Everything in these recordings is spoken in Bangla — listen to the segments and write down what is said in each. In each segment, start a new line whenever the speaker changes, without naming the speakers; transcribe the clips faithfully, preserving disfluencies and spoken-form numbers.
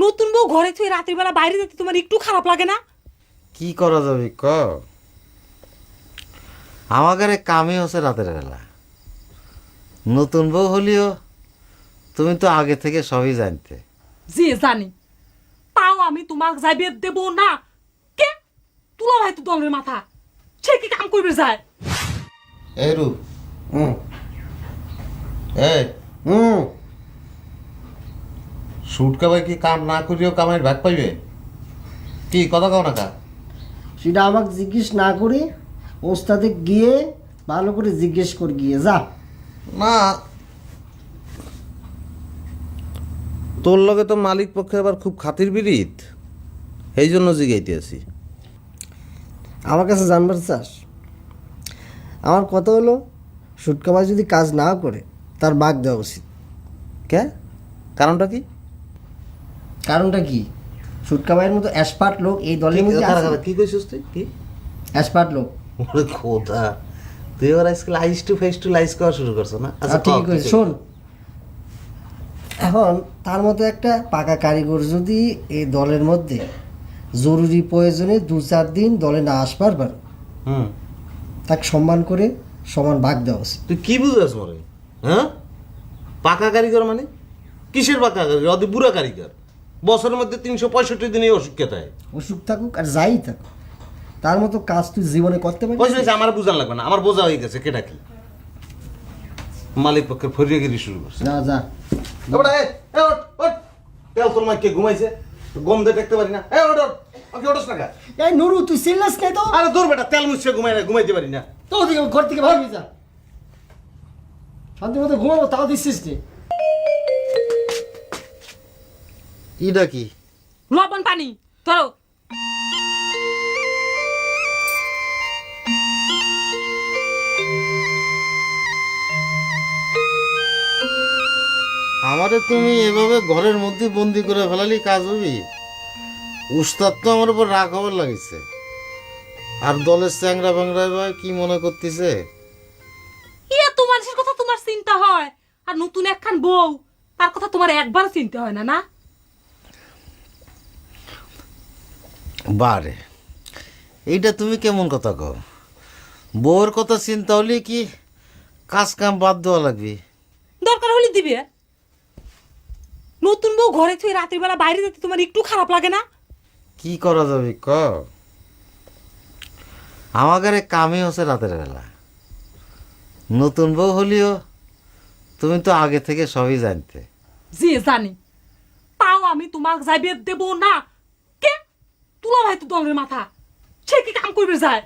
নতুন বউ ঘরে থেকে রাতের বেলা বাইরে যেতে তোমার একটু খারাপ লাগে না?
কি করা যাবে ক? আমাদের কামই হচ্ছে রাতের বেলা। নতুন বউ হলিও তুমি তো আগে থেকে সবই জানতে।
যে জানি, তাও আমি তোমাকে যাইবে দেব না। কে তুলা ভাই তো দলের মাথা, সে কি কাম করবে যায়?
এই রূপ,
হুম
এই
হুম
সুটকা ভাই কি কাম না করিও কামাইয়ের ভাগ পাইবে? কি কথা কও না কা?
সেটা আমাকে জিজ্ঞেস না করে ওস্তাদে গিয়ে ভালো করে জিজ্ঞেস কর গিয়ে যা।
না, তোর লগে তো মালিক পক্ষে আবার খুব খাতির বিরিত, এই জন্য জিগাইতে আছি।
আমার কাছে জানবার চাস? আমার কথা হলো, সুটকামাই যদি কাজ না করে তার বাঘ দেওয়া উচিত।
কে? কারণটা কি?
কারণটা কি? সুটকামাইয়ের মতো অ্যাসপার্ট লোক এই দলের মধ্যে
কারা
আছে।
কারা? কি কইছিস তুই? কি
অ্যাসপার্ট লোক?
ওরে খোদা, তুই এবার আজকাল আইস টু ফেস টু লাইস করা শুরু করছো না?
আচ্ছা ঠিক আছে, শোন, এখন তার মতো একটা পাকা কারিগর যদি এই দলের মধ্যে জরুরি প্রয়োজনে দু চার দিন দলে না আসবার পার,
হুম,
তাকে সম্মান করে সমান ভাগ দেওয়া উচিত।
তুই কি বুঝাস মরে? হ্যাঁ, পাকা কারিগর মানে কিসের পাকা কারিগর? অতি বুড়া কারিগর। বছরের মধ্যে তিনশো পঁয়ষট্টি দিনই অসুখ হয়।
অসুখ থাকুক আর যাই থাকুক, তার মতো কাজ তুই জীবনে করতে
পয়সা
পারিস?
হয়েছে, আমার বোঝান লাগবে না, আমার বোঝা হয়ে গেছে কেটা কি। মালিক পক্ষের ফরিয়াগিরি শুরু করছে।
না যা।
এবারে, এ, এ, ওঠ, ওঠ। তেল তোর মাইকে ঘুমাইছে, গম দিয়ে দেখতে পারি না। এ, ওঠ, ওঠ। ওকে, ওঠোস না কা?
এই নুরু, তুই চিল্লাস নাই তো?
আরে দূর বেটা, তেল মুছে ঘুমাই না, ঘুমাইতে পারি না।
তো ওদিকে ঘর থেকে ভাববি যা, শান্তি মতো ঘুমাবো, তাও দিচ্ছিস নি।
ইটা কি?
লবণ পানি ধরো।
আমারে তুমি এভাবে ঘরের মধ্যে বন্দি করে ফেলালি কাজ হবি? উস্তাদ তো আমার উপর রাগ হবার লাগিছে। আর দলের চ্যাংরা ব্যাংরা ভাই কি মনে করতেছে?
ইয়া তো মানুষের কথা তোমার চিন্তা হয়, আর নতুন একখান বউ, তার কথা তোমার একবার চিন্তা হয় না? না
বারে, এইটা তুমি কেমন কথা কও? বউয়ের কথা চিন্তা হলে কি কাজ কাম বাদ দেওয়া লাগবে?
দরকার হলে দিবে। নতুন বউ ঘরে থেকে রাতের বেলা বাইরে যেতে তোমার একটু খারাপ লাগে না?
কি করা যাবে ক? আমাদের কামই হচ্ছে রাতের বেলা। নতুন বউ হলিও তুমি তো আগে থেকে সবই জানতে।
যে জানি, তাও আমি তোমাকে যাইবে দেব না। কে তুলা ভাই তো দলের মাথা, সে কি কাম করবে যায়?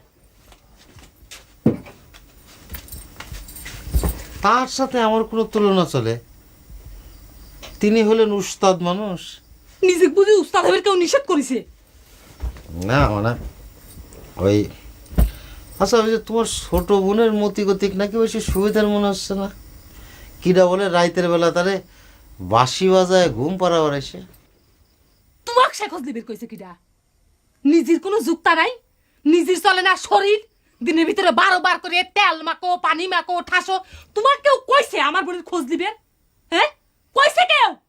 তার সাথে আমার কোনো তুলনা চলে? তিনি হলেন উস্তাদ মানুষ।
নিজে বুঝি উস্তাদ হবে কেউ নিষেধ করেছে?
না মানে ওই, আচ্ছা ওই যে তোমার ছোট বোনের মতি গতিক নাকি বেশি সুবিধার মনে হচ্ছে না? কিরা বলে রাইতের বেলা তারে বাঁশি বাজায় ঘুম পাড়াবার এসে।
তোমাকে সে খোঁজ দিবে কইছে কিডা? নিজের কোনো যুক্তা নাই, নিজের চলে না শরীর, দিনের ভিতরে বারো বার করে তেল মাখো, পানি মাখো, ঠাসো। তোমার কেউ কইছে আমার বোনের খোঁজ দিবে? হ্যাঁ, কইছে কেউ?